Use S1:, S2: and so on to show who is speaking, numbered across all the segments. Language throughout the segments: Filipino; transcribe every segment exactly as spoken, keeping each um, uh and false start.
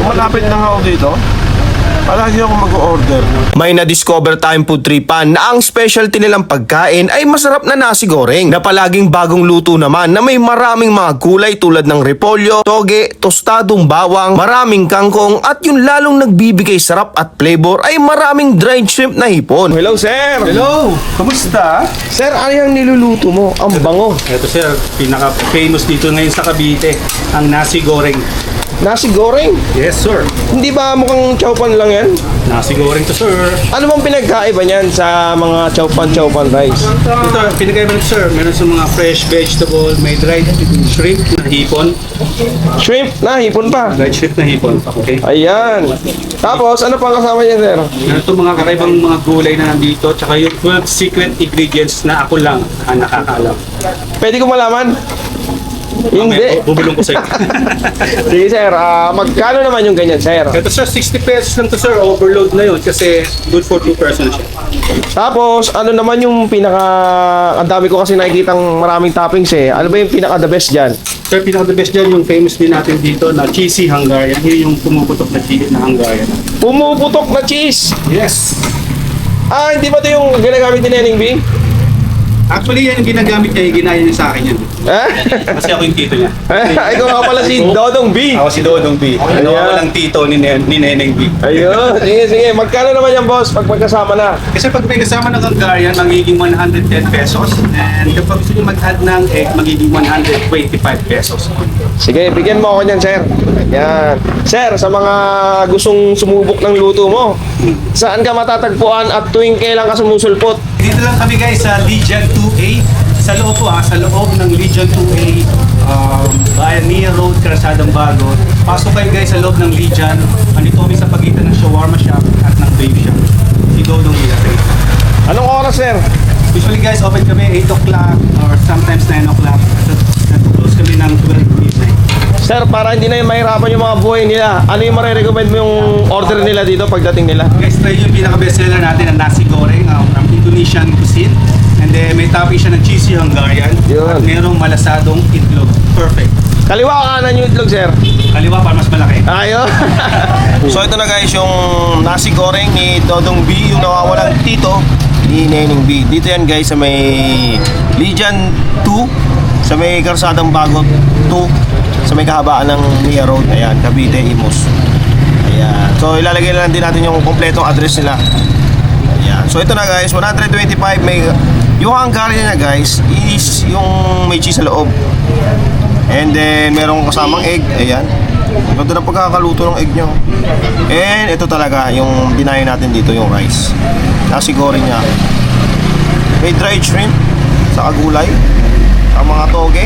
S1: Malapit na ako dito. Palagi ako mag-order.
S2: May na-discover tayong food tripan na ang specialty nilang pagkain ay masarap na nasi goreng na palaging bagong luto naman na may maraming mga gulay tulad ng repolyo, toge, tostadong bawang, maraming kangkong at yung lalong nagbibigay sarap at flavor ay maraming dried shrimp na hipon.
S1: Hello, sir!
S3: Hello! Kamusta?
S1: Sir, ano yung niluluto mo? Ang bango.
S3: Ito sir, pinaka-famous dito ngayon sa Cavite, ang nasi goreng.
S1: Nasi goreng?
S3: Yes sir.
S1: Hindi ba mukhang chowpan lang yan?
S3: Nasi goreng to sir.
S1: Ano bang pinagkaiba niyan sa mga chowpan-chowpan rice?
S3: Ito, pinagkaiba nito sir, meron sa mga fresh vegetable, may dried shrimp na hipon.
S1: Shrimp na, hipon pa.
S3: Dried shrimp na hipon, okay?
S1: Ayan. Tapos, ano pang kasama niya, sir?
S3: Meron itong mga kakaibang mga gulay na nandito, tsaka yung twelve secret ingredients na ako lang ang nakakaalam.
S1: Pwede ko malaman? Hindi.
S3: Okay, bubulong ko sa'yo.
S1: Sige, sir. Ah, magkano naman yung ganyan, sir?
S3: Ito sir, sixty pesos lang to sir, overload na yun kasi good for two persons siya.
S1: Tapos, ano naman yung pinaka... Ang dami ko kasi nakikitang maraming toppings eh. Ano ba yung pinaka the best dyan?
S3: Sir, pinaka-the best dyan yung famous din natin dito na cheesy Hungarian. Yun yung pumuputok na cheese na Hungarian.
S1: Pumuputok na cheese!
S3: Yes!
S1: Ah, hindi ba ito yung ginagamit ni Neneng B?
S3: Actually, yan yung ginagamit niya, yung ginaya niya sa akin yan.
S1: Ha?
S3: Kasi ako yung tito niya.
S1: Ikaw nga pala si Dodong B.
S3: Ako si Dodong B. Ano
S1: Ayan.
S3: ako lang tito ni, Nen- ni Neneng B.
S1: Ayun. Sige, sige. Magkano naman yan, boss, pag magkasama na?
S3: Kasi pag may kasama ng Hungarian, magiging one hundred ten pesos. And kapag gusto niyo mag-add ng egg, magiging one hundred twenty-five pesos.
S1: Sige, bigyan mo ako niyan, sir. Ayan. Sir, sa mga gustong sumubok ng luto mo, saan ka matatagpuan at tuwing kailan ka sumusulpot?
S3: Dito lang kami guys sa Legion two A. Sa loob po ah, sa loob ng Legion two A, um, Bayan Nia Road, Karasadang Bagot. Pasok kayo guys sa loob ng Legion. Andito kami sa pagitan ng shawarma shop at ng babe shop. Si Dodong Villasay.
S1: Anong oras, sir?
S3: Usually guys, open kami eight o'clock or sometimes nine o'clock. Close kami ng twelve midnight.
S1: Sir, para hindi na yung mahirapan yung mga buhay nila, ano yung marirecommend mo yung order nila dito pagdating nila?
S3: Guys, try yung pinaka-bestseller natin, ang nasi goreng um, from Indonesian cuisine. And then may topping siya ng cheesy Hungarian.
S1: Yun.
S3: At merong malasadong itlog. Perfect.
S1: Kaliwa kanan yung itlog, sir.
S3: Kaliwa para mas malaki.
S1: Ayun.
S2: So ito na guys yung nasi goreng ni Dodong B, yung nawawalang tito ni Neneng B. Dito yan guys sa may Legion two, sa may Karsadang Bagot two, sa may kahabaan ng Nia Road. Ayan, Cavite, Imus. Ayan. So ilalagay lang din natin yung kompletong address nila. Ayan. So ito na guys, one hundred twenty-five may yung Hungarian niya guys is yung may cheese sa loob. And then merong kasamang egg. Ayan. Ganda na pagkakaluto ng egg nyo. And ito talaga yung dinayo natin dito, yung rice. Nasi goreng niya. May dried shrimp sa kagulay, ang mga toge.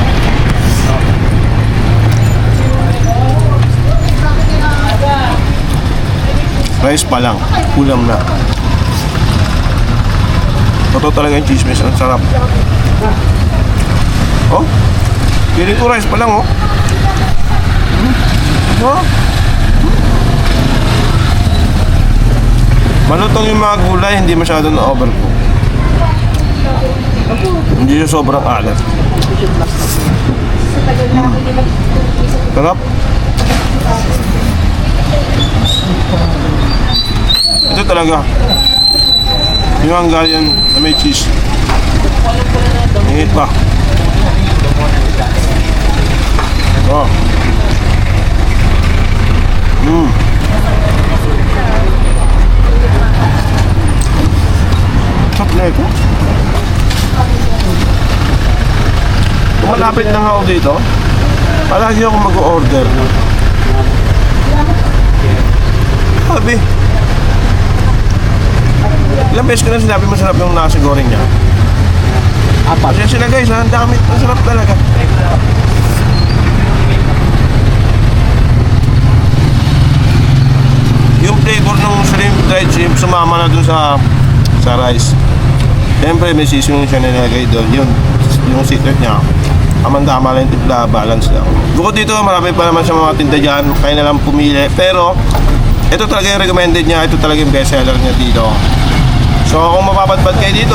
S2: Rice pa lang, ulam na. Totoo talaga yung chismis, ang sarap. Oh, piling ko rice pa lang, oh. Hmm. Oh. Hmm. Malutong yung mga gulay, hindi masyado na overcook. Hindi siya sobrang alat. Hmm. Sarap. Ito talaga yung Hungarian na may cheese. Ingit pa. Oh. Mm. Sarap na ito. Kung malapit lang ako dito, palagi ako mag-order. Sabi, ilang beses ko na sinabi masarap yung nasi goreng niya. Apat. Kasi sila guys, ha? Ang dami. Masarap talaga. Yung flavor ng shrimp, dried shrimp, sumama na dun sa sa rice. Siyempre, may seasoning siya nilagay doon. Yun, yung secret niya. Amandama lang yung tipla, balance lang. Bukod dito, marami pa naman sa mga tinda dyan. Kaya na lang pumili. Pero, ito talaga yung recommended niya. Ito talaga yung bestseller niya dito. So kung mapapadpad kayo dito,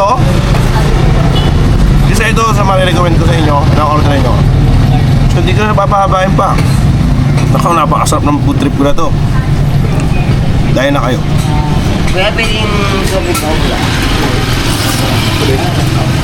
S2: isa ito sa marirecommend ko sa inyo na order nyo. So hindi ko na papahabain pa. Nakaw, napakasarap ng food trip ko na to. Dahil na kayo.
S4: Kaya pwedeng sabi ko